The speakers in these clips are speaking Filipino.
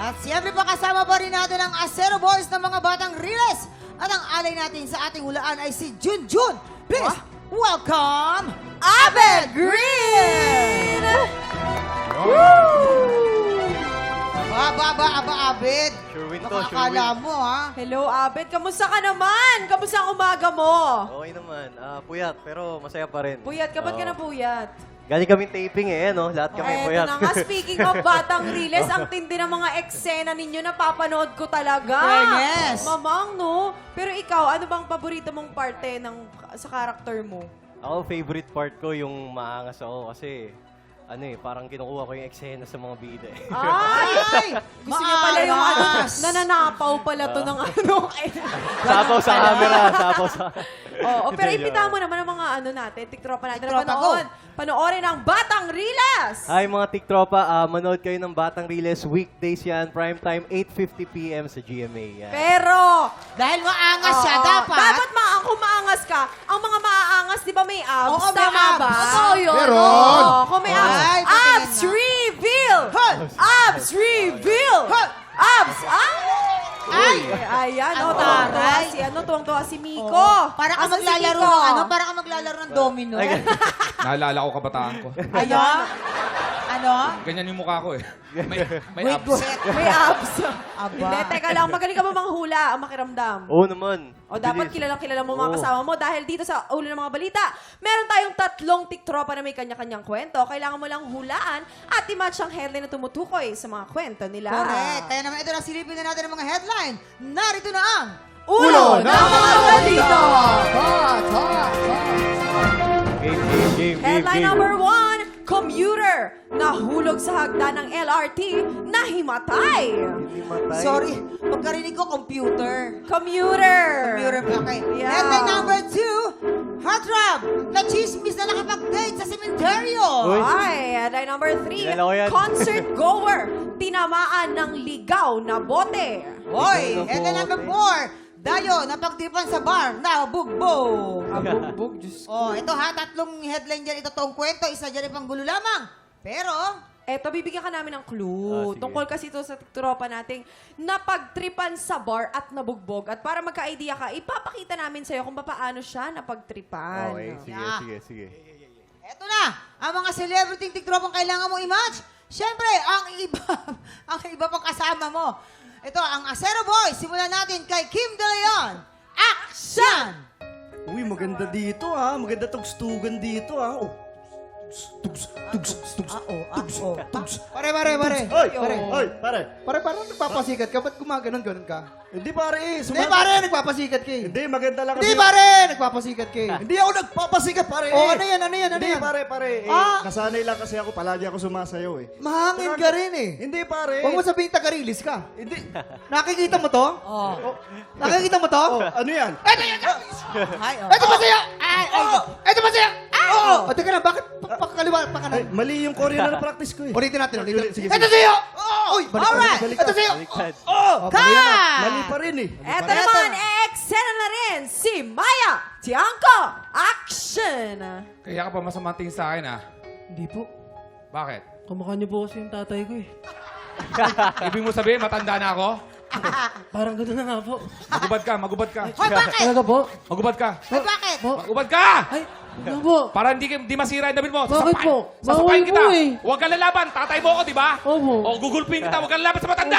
At siyempre pa kasama pa rin natin ang Acero Boys ng mga batang Riles. At ang alay natin sa ating hulaan ay si Junjun. Please, welcome, Abed Green! Aba, Abed. Sure win to, Nakakala mo, ha? Hello, Abed. Kamusta ka naman? Kamusta ang umaga mo? Okay naman. Puyat, pero masaya pa rin. Puyat ka, ba't ka na puyat? Galing kaming taping no? Lahat kami Eto puyat. na nga, speaking of Batang Riles, ang tindi ng mga eksena ninyo, napapanood ko talaga. Fairness. Mamang, no? Pero ikaw, ano bang paborito mong parte sa karakter mo? Ako, favorite part ko yung maangas ako kasi parang kinukuha ko yung eksena sa mga bida. Ay! Gusto niya pala yung nananapaw pala to ng Sabaw sa camera, sabaw sa... Oo, pero imbitahan mo naman ang mga natin, tiktropa natin na Tiktropa, panoorin ang Batang Riles! Hi mga tiktropa, manood kayo ng Batang Riles. Weekdays yan, prime time, 8:50 p.m. sa GMA. Yan. Pero, Dahil maangas siya, oo, dapat. kung maangas ka, ang mga maaangas, di ba may abs? Oo, may Tama abs. ba? Totoo yun. Meron. Oo, kung may abs. Ay, patingin Abs nga. reveal! Hoy! Abs reveal! Hoy! Abs! Ay! Ayan, Ang tuwang-tuwa taray. tuwang-tuwa si Miko. Oo. Para ka Asan si maglalaro Miko? para ka maglalaro ng domino. Naalala ko kabataan ko. Ano? Ganyan yung mukha ko eh. May Wait, abs. May abs. Aba. Hindi, teka lang. Magaling ka ba manghula ang makiramdam? Oo naman. O dapat Bilis. kilalang-kilala mo mga Oo. kasama mo dahil dito sa ulo ng mga balita, meron tayong 3 tiktropa na may kanya-kanyang kwento. Kailangan mo lang hulaan at i-match ang headline na tumutukoy sa mga kwento nila. Correct. Kaya naman ito na silipin na natin ang mga headline. Narito na ang Ulo ng mga balita! Game. Headline number 1, commuter nahulog sa hagdan ng LRT na himatay. Sorry, pagkarinig ko, computer. Commuter. Computer, okay. Yeah. Headline number 2, heartthrob na chismis na nakapag-date sa sementeryo. Uy. Ay, headline number 3, Kilala ko yan. concert goer tinamaan ng ligaw na bote. Hoy, headline number 4, dayo na pagtipan sa bar na bugbog. Abugbog, Diyos ko. Oh, ito ha, 3 headline dyan. Ito toong kwento, isa dyan ay panggulo lamang. Pero, Eto, bibigyan ka namin ng clue. Sige. Tungkol kasi ito sa tropa nating napagtripan sa bar at nabugbog. At para magka-idea ka, ipapakita namin sa'yo kung paano siya napagtripan. Okay, sige, Yeah. sige. eto na, ang mga celebrity tiktropang kailangan mo i-match. Siyempre, ang iba, ang iba pang kasama mo. Ito, ang Acero Boys. Simulan natin kay Kim De Leon. Action! Uy, maganda dito ha. Maganda tugstugan dito ha. Oh. Tugs. Pare. Hoy, Pare. hoy, pare. Pare, parang nagpapasikat ka. Ba't gumaganon ka? Hindi pare eh. Hindi, pare, nagpapasikat ka eh. Hindi, maganda lang kasi. Hindi, pare, nagpapasikat ka eh. Hindi ako nagpapasikat pare eh. Oh, ano yan? Hindi pare. Nasanay lang kasi ako. Palagi ako sumasayaw eh. Mahangin ka rin eh. Hindi pare. Huwag mo sabihin taga-release ka. Hindi. Nakikita mo to? Oh. Nakikita mo to? Oh, ano yan? Hi, oh. Ito ba sa'yo? Ay. Ito ba sa'yo? Oo! O, teka lang, bakit pakaliwa, Ay, pakanan? mali yung Korean na practice ko eh. Ulitin natin. Sige. Ito sa'yo! Uy, Alright. Ito sa'yo! Baliktad. Oh! Cut! Mali pa rin eh. Eto naman, eksena na rin si Maya Tiangco. Action! Kaya ka pa masamang tingin sa akin Hindi po. Bakit? Kamukha niyo po kasi yung tatay ko eh. Ibig mo sabihin, matanda na ako? Parang gano'n na nga po. Magubad ka. Hoy, bakit? Talaga po? Magubad ka. Hoy, bakit? Magubad ka! Ay, ano po? Para hindi masira yung damit mo. Bakit po? Sasapain Bawal kita. po eh. Huwag ka lalaban. Tatay mo ako, di ba? Opo. O gugulpin kita. Huwag ka lalaban sa matanda.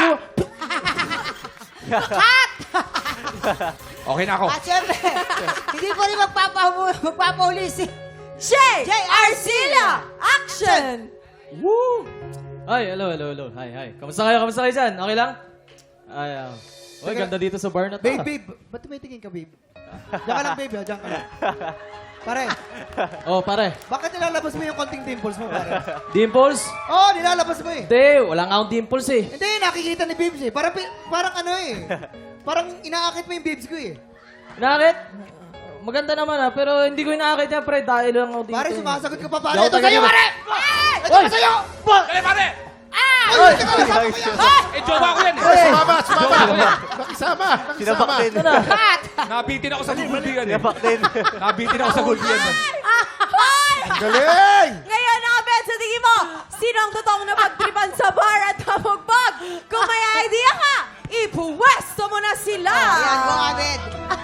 Okay na ako. At syempre, hindi pa rin magpapahuli si Jay Jay Arcila. Action! Ay, hello. Hi. Kamusta kayo dyan? Okay lang? Ay, Uy, ganda dito sa bar na to. Babe. Ba't tumitingin ka, babe? Diyan ka lang, babe. Diyan ka lang. Pare, Oh, pare. bakit nilalabas mo yung konting dimples mo, pare? Dimples? Oo, nilalabas mo eh. Hindi, wala nga akong dimples eh. Hindi, nakikita ni Bibs eh. Parang ano eh. Parang inaakit mo yung Bibs ko eh. Nakakit? Maganda naman pero hindi ko inaakit yan, pre. Dahil lang ako dito. Pare, sumasagot ka pa, pare. Yaw, Ito taga sa'yo, dito. pare! Ito pa sa'yo! Dali, pare! Ay, teka lang, sabi ko yan. Eh, jowa ko yan. Sumama. Nakisama. Sinabak din. Ito na. Nabitin ako sa gulbiyan eh. Sinabak din. Nabitin ako sa gulbiyan. Galing! Ngayon, Abed, sa tingin mo, sino ang totoong napagtripan sa bar at nabugbog? Kung may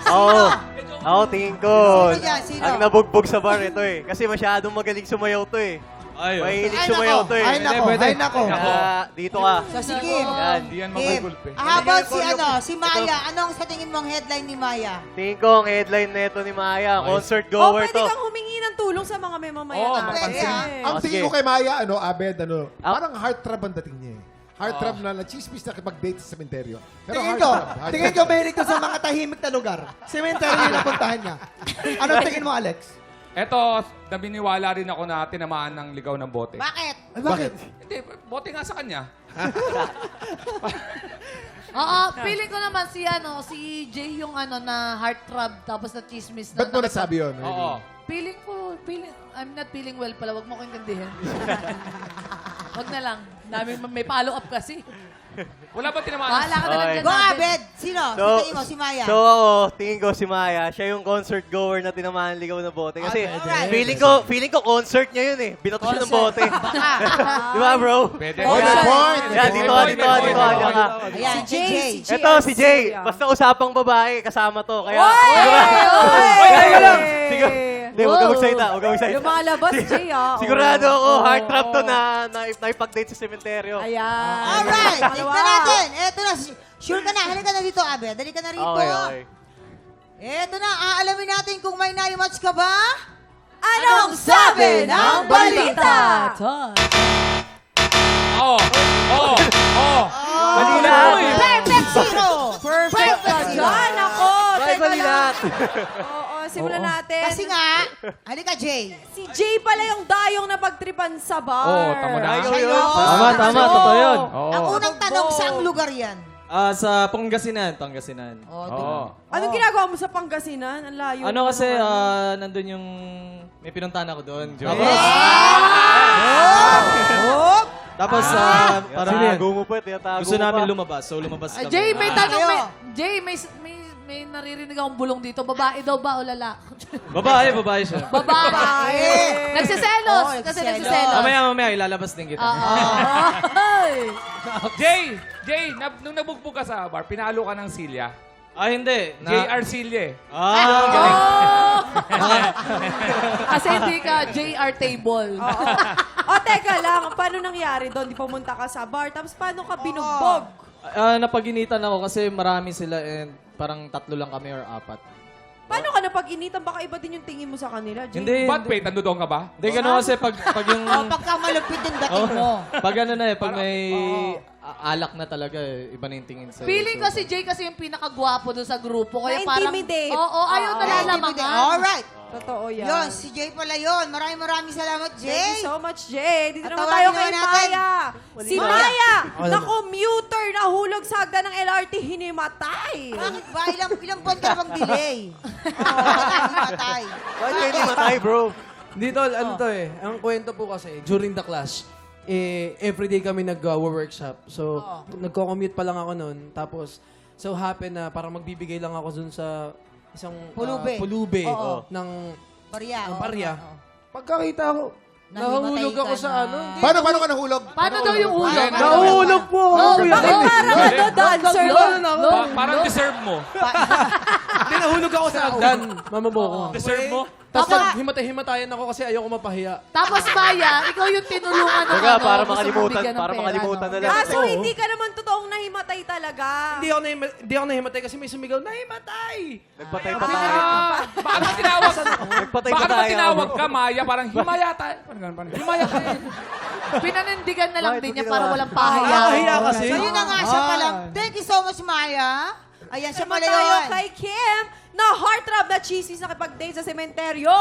Oo. Ako, tingin ko. Sino dyan? Sino? Ang nabugbog sa bar ito eh. Kasi masyadong magaling sumayaw to eh. Ay, Mahilig Ay, sumayaw nako. to eh. Ay, nako. Ay, nako. Kaya dito ka. So, si Kim. Yan. Hindi yan Kim, magugulpe. how about si Maya? Anong sa tingin mong headline ni Maya? Tingin ko ang headline nito ni Maya. Concert goer pwede to. kang humingi ng tulong sa mga may mamaya Oo, natin. pwede, ah. Ang Oh, tingin sige. ko kay Maya, Abed, Ah. parang heartthrob ang dating niya eh. Heartthrob na chismis na kipag-date sa sementeryo. Pero Tingin ko mahilig to sa mga tahimik na lugar. Cemetery yung napuntahan niya. Anong tingin mo, Alex? Eto, nabiniwala rin ako na tinamaan ng ligaw ng bote. Bakit? Ay, bakit? Hindi, bote nga sa kanya. Oo, feeling ko naman si Jay yung na heartthrob tapos na chismis na. Ba't mo nasabi yun? Oo. I'm not feeling well pala. Wag mo ko intindihin. Wag na lang. May follow-up kasi. Wala ba tinamaan? Bahala ka na lang Okay. dyan. Go, Abed. Abed. Sino? So, Sa tingin mo, si Maya? So ako, tingin ko si Maya, siya yung concert goer na tinamaan ligaw ng bote. Kasi Alright. feeling ko concert niya yun eh. Binato siya ng bote. Di ba bro? Pwede. Oh, may point. Yan, dito ka, dito ka, dito ka. Diyan ka. Ayan, si Jay. Ito, si Jay. Basta usapang babae, kasama to. Kaya, siguro, hindi, huwag ka magsalita, huwag ka magsalita. Yung mga labas, Jay, Sigurado ako, heart trap to na naipag-date sa sementeryo. Ayan. Alright, Dalawa. tignan natin. Eto na, sure ka na. Halika na dito, Abed. Dali ka na rito. Okay, okay. Eto na, aalamin natin kung may na-match ka ba? Anong sabi ng balita? Oo. Oo. Oo. Balita. Perfect zero! Perfect ka dyan, ako. Teka Balita. lang. Oo, simulan natin. Kasi nga, halika, Jay. Si Jay pala yung dayong na pagtripan sa bar. Oo, tama na. Ayaw Siya yun. yun. Tama, tama, totoo yun. Oo. Ang unang tanong, saang lugar yan? Sa Pangasinan, Pangasinan. Oo. Anong ginagawa mo sa Pangasinan? Ang layo. Ano naman kasi, naman. nandun yung, may pinuntahan ako doon. Tapos, Para parang gumupit, tiyatago gusto mo namin pa. lumabas. So, lumabas kami. Jay, may Ah, tanong. kayo. Jay, may naririnig akong bulong dito. Babae daw ba o lalaki? Babae siya. Babae. Nagsiselos. Oo, Kasi nagsiselos. nagsiselos. Mamaya, ilalabas din kita. Ay. Jay, nung nabugbog ka sa bar, pinalo ka ng Silya. Hindi. JR Silya eh. Galing. Kasi hindi ka JR table. O, teka lang. Paano nangyari doon? Di pumunta ka sa bar. Tapos paano ka binugbog? Napaginitan ako kasi marami sila and parang 3 lang kami or 4. Paano ka napag-initan? Baka iba din yung tingin mo sa kanila, Jay. Hindi. Ba't wait, nandun ka ba? Hindi, gano'n kasi pag yung... O, pagka malupit yung dating mo. Pag ano na pag may alak na talaga, iba na yung tingin sa'yo. Feeling ko si Jay kasi yung pinakagwapo doon sa grupo. Kaya parang... Na-intimidate. Oo, ayaw nalalamangan. Alright. Totoo yan. Yun, si Jay pala yun. Maraming salamat, Thank Jay. you so much, Jay. Dito At naman tawagin tayo kay naman natin. Maya. Si Maya, na commuter, nahulog sa hagdan ng LRT, hinimatay. Bakit ba? Ilang buwan ka bang delay? Matay. Bakit kayo hindi matay, bro? Dito, ano to eh. Ang kwento po kasi, during the class, everyday kami nag-workshop. So, nagko-commute pa lang ako noon. Tapos, so happen na parang magbibigay lang ako dun sa isang Pulube. Oo. ng Barya. ng oo, barya. oo. Pagkakita ko, nahulog Nahimatay ako ka sa na. ano. Paano ka nahulog? Paano daw yung ulo? Nahulog po ako. kuya. Parang ano, dancer. Parang deserve mo. Hindi, nahulog ako sa hagdan. Mamaboko. Deserve mo? Tapos himatay-himatayan ako kasi ayoko mapahiya. Tapos Maya, ikaw yung tinulungan ng Baga, para gusto mong makalimutan, bigyan ng para pera, makalimutan no? na lang. So, hindi ka naman totoong nahimatay talaga. Hindi ako nahimatay kasi may sumigaw, nahimatay! Nagpatay pa tayo. Bakit ba tinawag? Nagpatay pa Bakit ba tayo. tinawag ka, Maya? Parang himaya tayo. Parang himaya ka. Pinanindigan na lang Bakit din mo niya ginawa? para walang pahiya. Nakahiya kasi. So, yun na nga siya pala. Thank you so much, Maya. Ayan, siya Naman pala tayo yun. kay Kim na heartthrob na chismis na kipag-date sa sementeryo.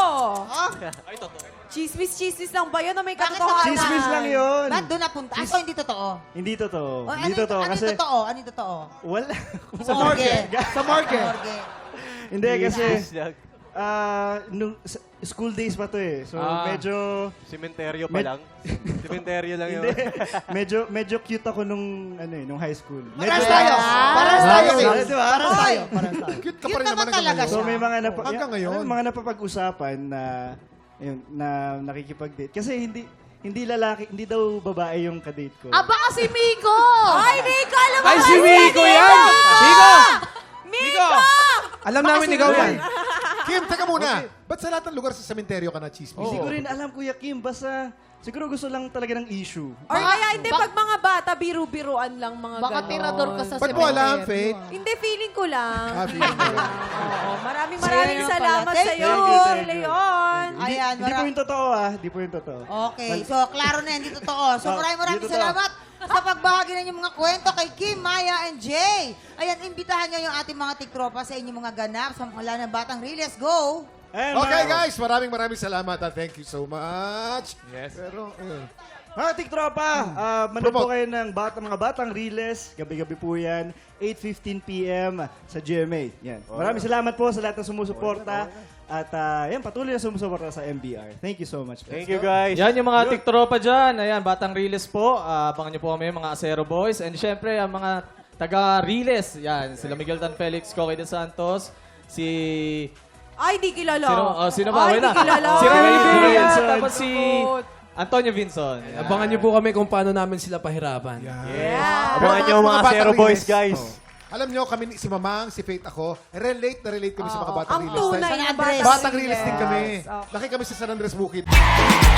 Chismis lang ba yun o may Bakit katotohanan? naman? Chismis lang yun. Ba't doon napunta? Ah, so hindi totoo? Hindi totoo. O, Hindi totoo. ano Kasi yung totoo? Ano yung totoo? wala. Sa morgue. Sa morgue. Morgue. Hindi kasi Yes. nung school days pa to eh. So medyo Sementeryo pa lang. Sementeryo lang yun. hindi. medyo cute ako nung nung high school. Paras tayo. Paras tayo. Di ba? Paras tayo. Paras tayo. Cute ka Cute pa rin naman naman talaga hanggang So siya. may mga Hanggang ngayon. mga napapag-usapan na na nakikipag-date kasi hindi lalaki, hindi daw babae yung kadate ko. Aba kasi Miko! Ay, Miko! Alam mo Ay, ba si Miko yan! Miko! Miko! Alam namin ikaw yan. Kim, teka muna. Ba't sa lahat ng lugar sa sementeryo ka na chismis? Hindi ko rin alam, Kuya Kim. Basta siguro gusto lang talaga ng issue. Or kaya hindi, pag mga bata, biru-biruan lang mga Baka ganon. tirador ka sa Ba't mo alam, Faith? Hindi, feeling ko lang. Feeling ko lang. Oo, maraming Sayang salamat pala. sa iyo, Thank you. Leon. Ayan, Hindi po yung totoo Hindi po yung totoo. Okay, so klaro na yan, di totoo. So maraming di totoo. salamat sa pagbahagi ng inyong mga kwento kay Kim, Maya, and Jay. Ayan, imbitahan nyo yung ating mga tiktropa sa inyong mga ganap sa mula ng Batang Riles. Go! Ayan, Okay mga- guys, maraming salamat. Thank you so much. Yes. Pero, Mga tiktropa, manood po Promote. kayo ng mga Batang Riles. Gabi-gabi po yan. 8:15 p.m. sa GMA. Yan. Maraming salamat po sa lahat ng sumusuporta. At yan, patuloy na sumusuporta sa MBR. Thank you so much. Po. Thank you, guys. Yan yung mga tiktropa dyan. Ayan, Batang Riles po. Abangan nyo po kami, mga Acero Boys. And syempre, ang mga taga-Riles. Yan, sila Miguel Tan Felix, Coque de Santos, si... Ay, di kilala. Sino ba? Ay, Wala. di kilala. Si Rene Ay, Villa, Vincent. tapos si Antonio Vinson. Yan. Abangan niyo po kami kung paano namin sila pahirapan. Yeah. Abangan nyo mga Batang Zero Boys, Riles. guys. alam nyo, kami, si Mamang, si Faith, ako, relate kami sa mga Batang Ang Riles. tunay na Batang Batang Riles din kami. Okay. Laki kami sa San Andres Bukid.